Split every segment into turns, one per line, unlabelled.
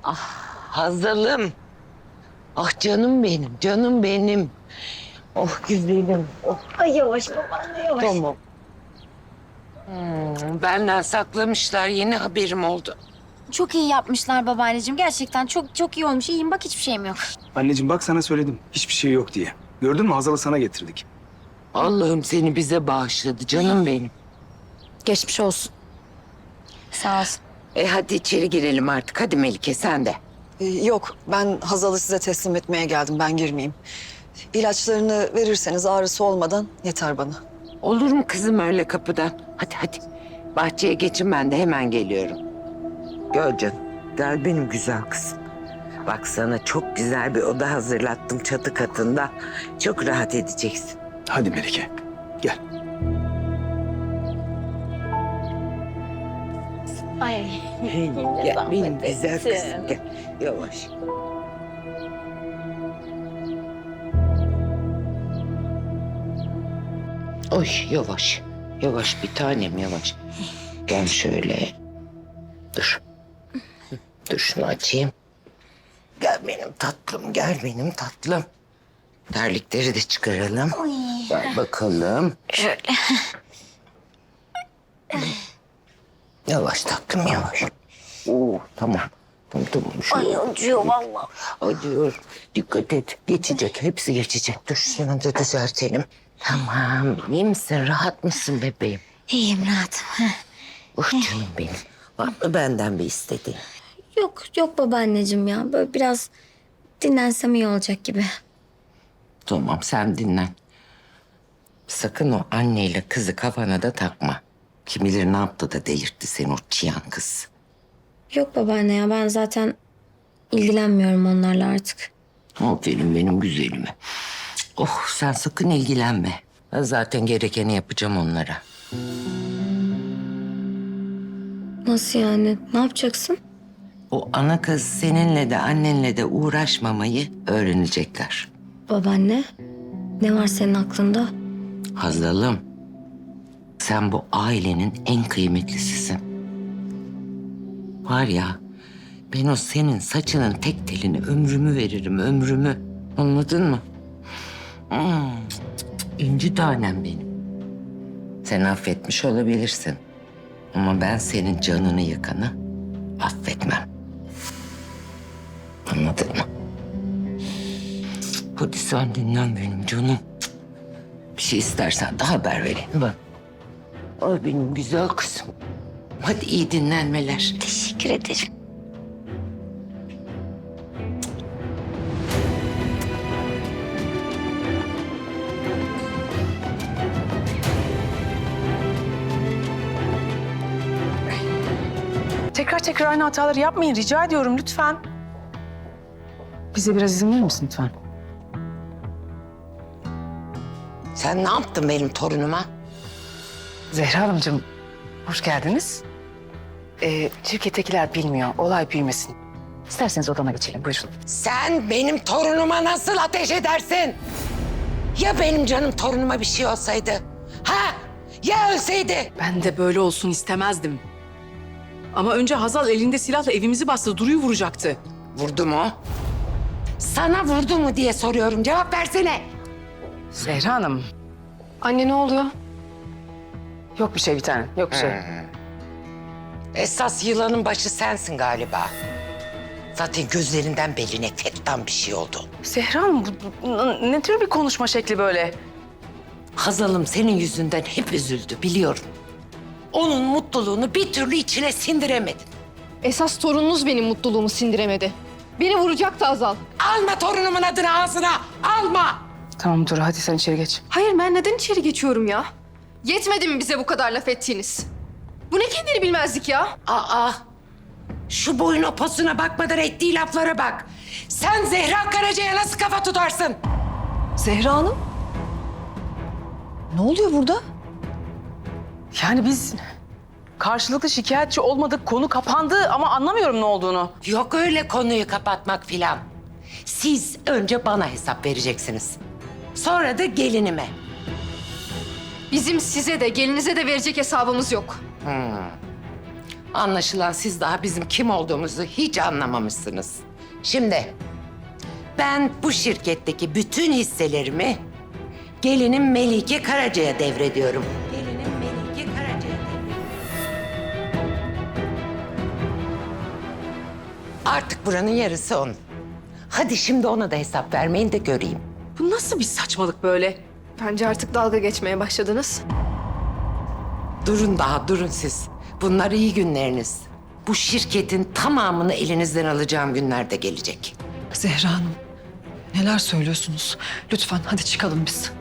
Hazalım. Ah canım benim, canım benim. Oh güzelim. Oh.
Ay yavaş babaanne yavaş.
Tamam. Benden saklamışlar. Yeni haberim oldu.
Çok iyi yapmışlar babaanneciğim. Gerçekten çok çok iyi olmuş. İyiyim bak hiçbir şeyim yok.
Anneciğim bak sana söyledim. Hiçbir şey yok diye. Gördün mü Hazal'ı sana getirdik.
Allah'ım seni bize bağışladı canım benim.
Geçmiş olsun. Sağ olsun.
Hadi içeri girelim artık. Hadi Melike sen de.
Yok, ben Hazal'ı size teslim etmeye geldim. Ben girmeyeyim. İlaçlarını verirseniz ağrısı olmadan yeter bana.
Olur mu kızım öyle kapıdan? Hadi hadi. Bahçeye geçin ben de hemen geliyorum. Gel canım. Gel benim güzel kızım. Bak sana çok güzel bir oda hazırlattım çatı katında. Çok rahat edeceksin.
Hadi Melike, gel.
Ay.
Gel benim güzel kızım. Gel. Yavaş. Oy yavaş. Yavaş bir tanem yavaş. Gel şöyle. Dur. Dur şunu açayım. Gel benim tatlım, gel benim tatlım. Terlikleri de çıkaralım. Gel bakalım.
Şöyle.
Yavaş tatlım yavaş. Oo, tamam. Tamam.
Ay acıyor vallahi.
Acıyor. Dikkat et. Geçecek. Hepsi geçecek. Dur şunu da düzeltelim. Tamam. İyi misin? Rahat mısın bebeğim?
İyiyim rahatım.
Oh canım benim. Var mı benden bir istediğin?
Yok yok babaanneciğim ya. Böyle biraz dinlensem iyi olacak gibi.
Tamam sen dinlen. Sakın o anneyle kızı kafana da takma. Kim bilir ne yaptı da delirtti seni o çıyan kız.
Yok babaanne ya ben zaten ilgilenmiyorum onlarla artık.
Aferin benim güzelime. Oh sen sakın ilgilenme. Ben zaten gerekeni yapacağım onlara.
Nasıl yani? Ne yapacaksın?
O ana kız seninle de annenle de uğraşmamayı öğrenecekler.
Babaanne ne var senin aklında?
Hazalım, sen bu ailenin en kıymetlisisin. Var ya, ben o senin saçının tek telini ömrümü veririm, ömrümü. Anladın mı? İnci tanem benim. Sen affetmiş olabilirsin. Ama ben senin canını yıkanı affetmem. Anladın mı? Hadi sen dinlen benim canım. Bir şey istersen de haber verin bak. Ay benim güzel kızım. Hadi iyi dinlenmeler.
Teşekkür ederim.
Tekrar aynı hataları yapmayın rica ediyorum lütfen. Bize biraz izin verir misin lütfen?
Sen ne yaptın benim torunuma?
Zehra Hanımcığım hoş geldiniz. Şirkettekiler bilmiyor, olay büyümesin. İsterseniz odama geçelim, buyurun.
Sen benim torunuma nasıl ateş edersin? Ya benim canım torunuma bir şey olsaydı? Ha? Ya ölseydi?
Ben de böyle olsun istemezdim. Ama önce Hazal elinde silahla evimizi bastı, Duru'yu vuracaktı.
Vurdu mu? Sana vurdu mu diye soruyorum. Cevap versene.
Zehra Hanım,
Anne ne oluyor?
yok bir şey bir tane, yok bir şey.
Esas yılanın başı sensin galiba. Zaten gözlerinden belli nefretten bir şey oldu.
Zehra Hanım, ne tür bir konuşma şekli böyle?
Hazal'ım senin yüzünden hep üzüldü biliyorum. Onun mutluluğunu bir türlü içine sindiremedin.
Esas torununuz benim mutluluğumu sindiremedi. Beni vuracaktı Azal.
Alma torunumun adını ağzına, alma!
Tamam dur, hadi sen içeri geç.
Hayır ben neden içeri geçiyorum ya? Yetmedi mi bize bu kadar laf ettiğiniz? Bu ne kendini bilmezlik ya?
Aa, şu boyuna posuna bakmadan ettiği laflara bak. Sen Zehra Karaca'ya nasıl kafa tutarsın?
Zehra Hanım? Ne oluyor burada?
Yani biz karşılıklı şikayetçi olmadık, konu kapandı ama anlamıyorum ne olduğunu.
Yok öyle konuyu kapatmak filan. Siz önce bana hesap vereceksiniz. Sonra da gelinime.
Bizim size de gelinize de verecek hesabımız yok.
Anlaşılan siz daha bizim kim olduğumuzu hiç anlamamışsınız. Şimdi ben bu şirketteki bütün hisselerimi gelinim Melike Karaca'ya devrediyorum. Gelinim Melike Karaca'ya devrediyorum. Artık buranın yarısı onun. Hadi şimdi ona da hesap vermeyin de göreyim.
Bu nasıl bir saçmalık böyle?
Bence artık dalga geçmeye başladınız.
Durun daha, durun siz. Bunlar iyi günleriniz. Bu şirketin tamamını elinizden alacağım günler de gelecek.
Zehra Hanım, neler söylüyorsunuz? Lütfen hadi çıkalım biz.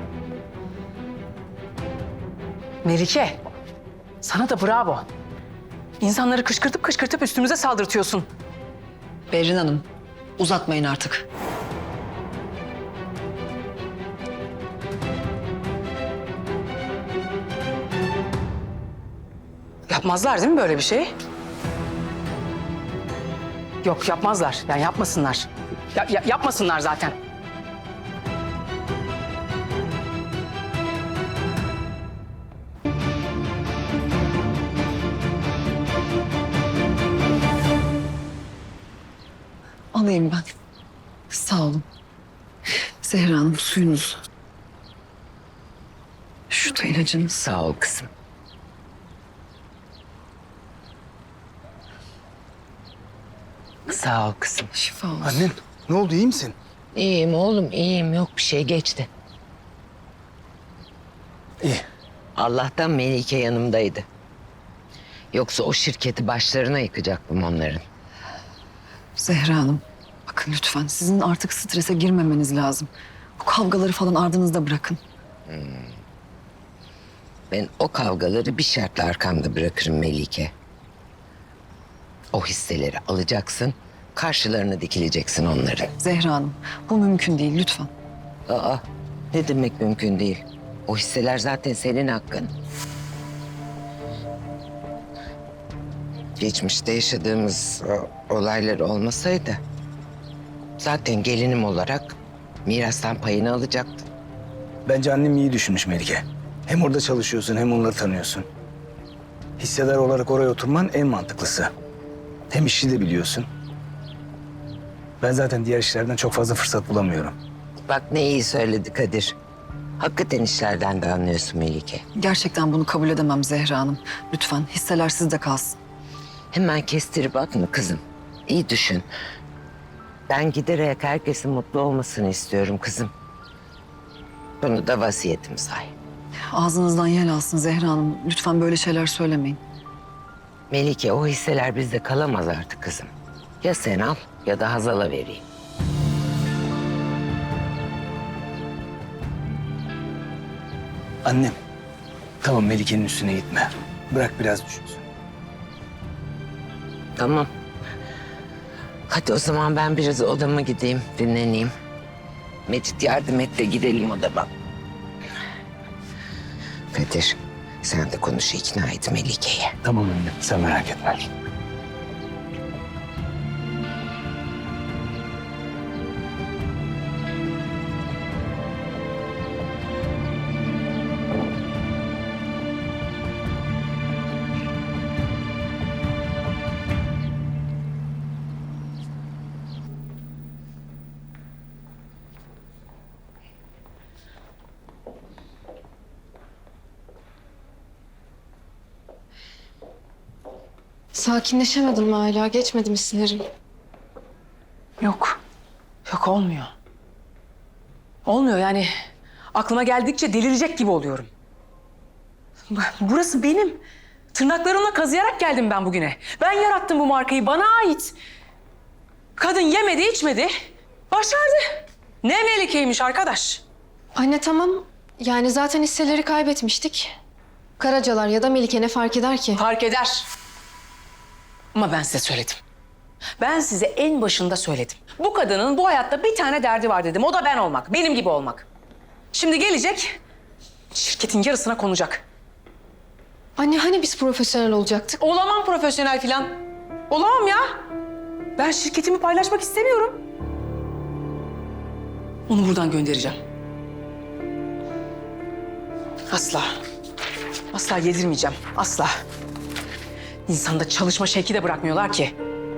Melike, sana da bravo. İnsanları kışkırtıp üstümüze saldırtıyorsun.
Berrin Hanım, uzatmayın artık.
Yapmazlar değil mi böyle bir şey? Yok yapmazlar. Yani yapmasınlar. Yapmasınlar zaten.
Alayım ben. Sağ olun. Zehra Hanım, suyunuz. Şu da ilacınız.
Sağ ol kızım. Sağ ol kızım.
Şifa olsun.
Annem ne oldu, iyi misin?
İyiyim oğlum, iyiyim. Yok bir şey, geçti.
İyi.
Allah'tan Melike yanımdaydı. Yoksa o şirketi başlarına yıkacaktım onların.
Zehra Hanım, bakın lütfen sizin artık strese girmemeniz lazım. Bu kavgaları falan ardınızda bırakın.
Ben o kavgaları bir şartla arkamda bırakırım Melike. O hisseleri alacaksın, karşılarına dikileceksin onların.
Zehra Hanım, bu mümkün değil lütfen.
Aa, ne demek mümkün değil? O hisseler zaten senin hakkın. Geçmişte yaşadığımız olaylar olmasaydı zaten gelinim olarak mirastan payını alacaktın.
Bence annem iyi düşünmüş Melike. Hem orada çalışıyorsun hem onları tanıyorsun. Hissedar olarak oraya oturman en mantıklısı. Hem işi de biliyorsun. Ben zaten diğer işlerden çok fazla fırsat bulamıyorum.
Bak ne iyi söyledi Kadir. Hakikaten işlerden de anlıyorsun Melike.
Gerçekten bunu kabul edemem Zehra Hanım. Lütfen hisseler sizde kalsın.
Hemen kestirip atma kızım. İyi düşün. Ben giderek herkesin mutlu olmasını istiyorum kızım. Bunu da vasiyetim say.
Ağzınızdan yel alsın Zehra Hanım. Lütfen böyle şeyler söylemeyin.
Melike, o hisseler bizde kalamaz artık kızım. Ya sen al ya da Hazal'a vereyim.
Annem, tamam Melike'nin üstüne gitme. Bırak biraz düşünsün.
Tamam. Hadi o zaman ben biraz odama gideyim, dinleneyim. Mecit yardım et de gidelim odama. Kadir, sen de konuş, ikna et Melike'yi.
Tamam annem, sen merak etme.
Sakinleşemedim mi hala? Geçmedi mi sinirim?
Yok. Yok olmuyor. Olmuyor yani. Aklıma geldikçe delirecek gibi oluyorum. Burası benim. Tırnaklarımla kazıyarak geldim ben bugüne. Ben yarattım bu markayı. Bana ait. Kadın yemedi, içmedi. Başardı. Ne Melike'ymiş arkadaş.
Anne tamam. Yani zaten hisseleri kaybetmiştik. Karacalar ya da Melike ne fark eder ki?
Fark eder. Ama ben size söyledim. Ben size en başında söyledim. Bu kadının bu hayatta bir tane derdi var dedim. O da ben olmak. Benim gibi olmak. Şimdi gelecek, şirketin yarısına konacak.
Anne hani biz profesyonel olacaktık?
Olamam profesyonel falan. Olamam ya. Ben şirketimi paylaşmak istemiyorum. Onu buradan göndereceğim. Asla. Asla yedirmeyeceğim. Asla. İnsanda çalışma şevki de bırakmıyorlar ki.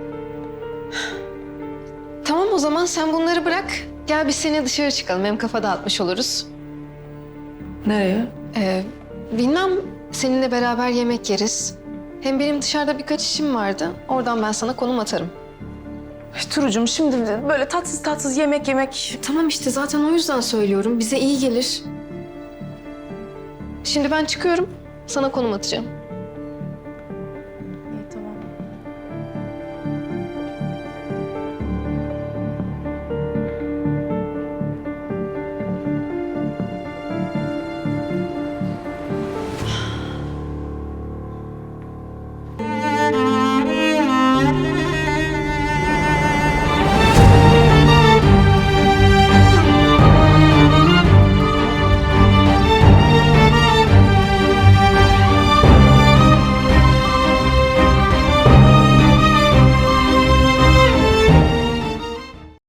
Tamam o zaman sen bunları bırak. Gel biz seni dışarı çıkalım. Hem kafa dağıtmış oluruz.
Nereye?
Bilmem, seninle beraber yemek yeriz. Hem benim dışarıda birkaç işim vardı. Oradan ben sana konum atarım.
Turucuğum şimdi böyle tatsız tatsız yemek.
Tamam işte zaten o yüzden söylüyorum. Bize iyi gelir. Şimdi ben çıkıyorum. Sana konum atacağım.